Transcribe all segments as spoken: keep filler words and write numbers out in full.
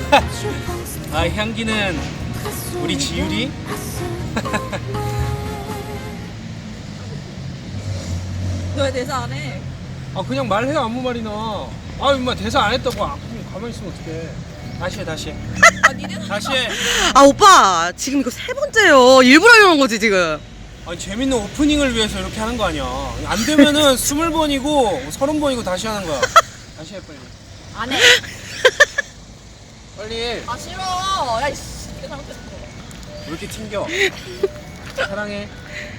아, 향기는 우리 지율이? 너 왜 대사 안 해? 아, 그냥 말해. 아무 말이나. 아, 임마 대사 안 했다고. 아, 그럼 가만히 있으면 어떡해. 다시 해, 다시 해. 아 니네 다시 해. 아 오빠 지금 이거 세 번째요. 일부러 이러는 거지 지금. 아니, 재밌는 오프닝을 위해서 이렇게 하는 거 아니야. 안 되면은 스물 번이고 서른 번이고 다시 하는 거야. 다시 해, 빨리. 안 해. 빨리 해. 아 싫어. 야이씨 이거 잘못했어. 왜 이렇게 튕겨? 사랑해.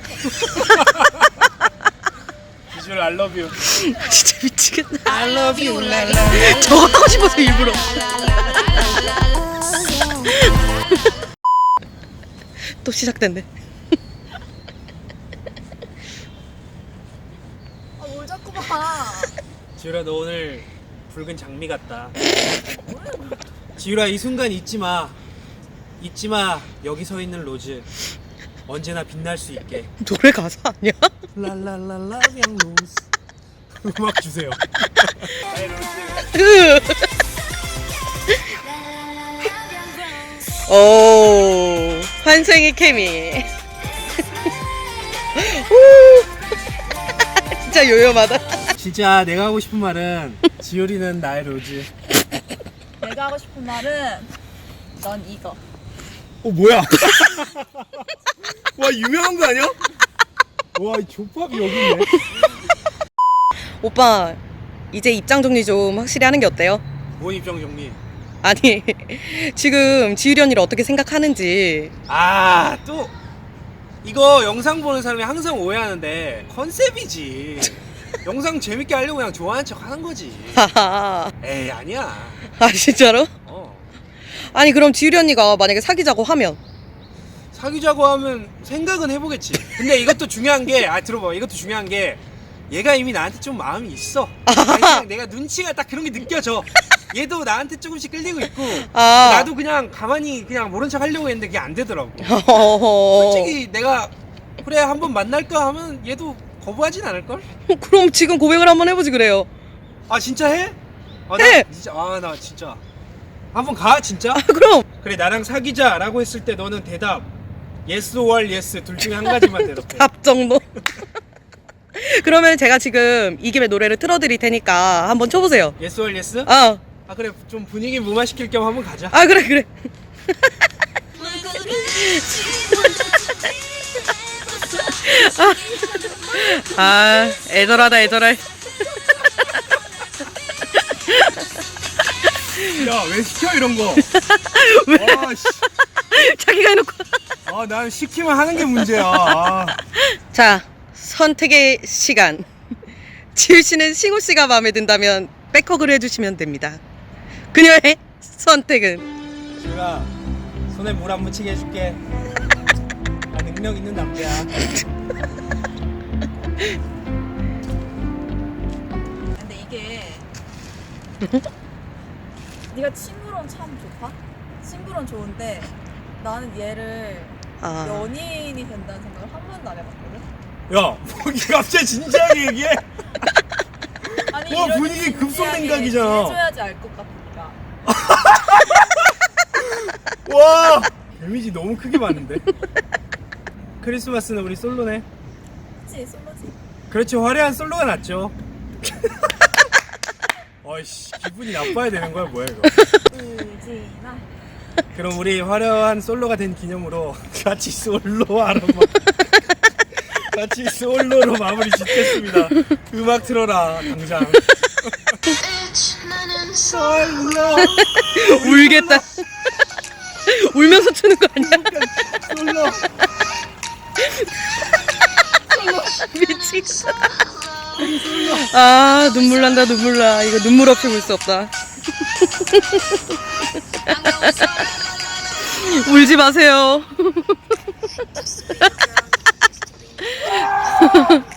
비주얼 I love you. 진짜 미치겠다. I love you. 랄라. 저거 하고 싶어서 일부러. 또 시작됐네. 아뭘 자꾸 봐. 지율아, 너 오늘 붉은 장미 같다. 지율아, 이 순간 잊지 마. 잊지 마. 여기 서 있는 로즈. 언제나 빛날 수 있게. 노래 가사 아니야? 랄랄랄라 양 로즈. 음악 주세요. 오 환생의 케미. 오, 진짜 요염하다. 진짜 내가 하고 싶은 말은 지율이는 나의 로즈. 내가 하고 싶은 말은 넌 이거. 어, 뭐야? 와, 유명한 거 아니야? 와, 이 족밥이 여기 있네. 오빠 이제 입장 정리 좀 확실히 하는 게 어때요? 뭔 입장 정리? 아니 지금 지율이 언니를 어떻게 생각하는지. 아, 또 이거 영상 보는 사람이 항상 오해하는데 컨셉이지. 영상 재밌게 하려고 그냥 좋아하는 척 하는 거지. 하하. 에이, 아니야. 아 진짜로? 어. 아니 그럼 지율이 언니가 만약에 사귀자고 하면 사귀자고 하면 생각은 해보겠지. 근데 이것도 중요한 게, 아, 들어봐. 이것도 중요한 게, 얘가 이미 나한테 좀 마음이 있어. 아니, 그냥 내가 눈치가 딱 그런 게 느껴져. 얘도 나한테 조금씩 끌리고 있고, 아. 나도 그냥 가만히 그냥 모른 척 하려고 했는데 그게 안 되더라고. 어허허. 솔직히 내가 그래 한번 만날까 하면 얘도 거부하진 않을걸? 그럼 지금 고백을 한번 해보지 그래요. 아, 진짜 해? 아, 해! 나 진짜, 아, 나 진짜 한번 가, 진짜? 아 그럼 그래, 나랑 사귀자 라고 했을 때 너는 대답 yes or yes 둘 중에 한 가지만 대답해. 답 정도. 그러면 제가 지금 이 김에 노래를 틀어드릴 테니까 한번 쳐보세요. yes or yes? 어. 아, 그래, 좀 분위기 무마시킬 겸 한번 가자. 아 그래 그래. 아, 아 애절하다 애절해. 야, 왜 시켜 이런 거? 왜? 와, 씨. 자기가 해놓고. 아, 난 시키면 하는 게 문제야. 아. 자 선택의 시간. 지율 씨는 승우 씨가 마음에 든다면 백허그를 해주시면 됩니다. 그녀의 선택은 지율아, 손에 물 안 묻히게 해줄게. 나 능력 있는 남자야. 근데 이게 네가 친구론 참 좋다. 친구론 좋은데 나는 얘를 아, 연인이 된다는 생각을 한 번도 안 해봤거든. 야, 뭐 이게 갑자기 진지하게 얘기해? 아니 와, 이런 분위기 진지하게 급속냉각이잖아. 해줘야지 알 것 같으니까. 와, 데미지 너무 크게 받는데? 크리스마스는 우리 솔로네. 그치 솔로지. 그렇지, 화려한 솔로가 낫죠. 어이씨, 기분이 나빠야 되는 거야 뭐야 이거. 의진아. 그럼 우리 화려한 솔로가 된 기념으로 같이 솔로하러 같이 솔로로 마무리 짓겠습니다. 음악 틀어라 당장. 솔로. 울겠다. 울면서 추는 거 아니야? 솔로. 미치겠다. 아 눈물 난다 눈물 나. 이거 눈물 없이 볼 수 없다. 울지 마세요.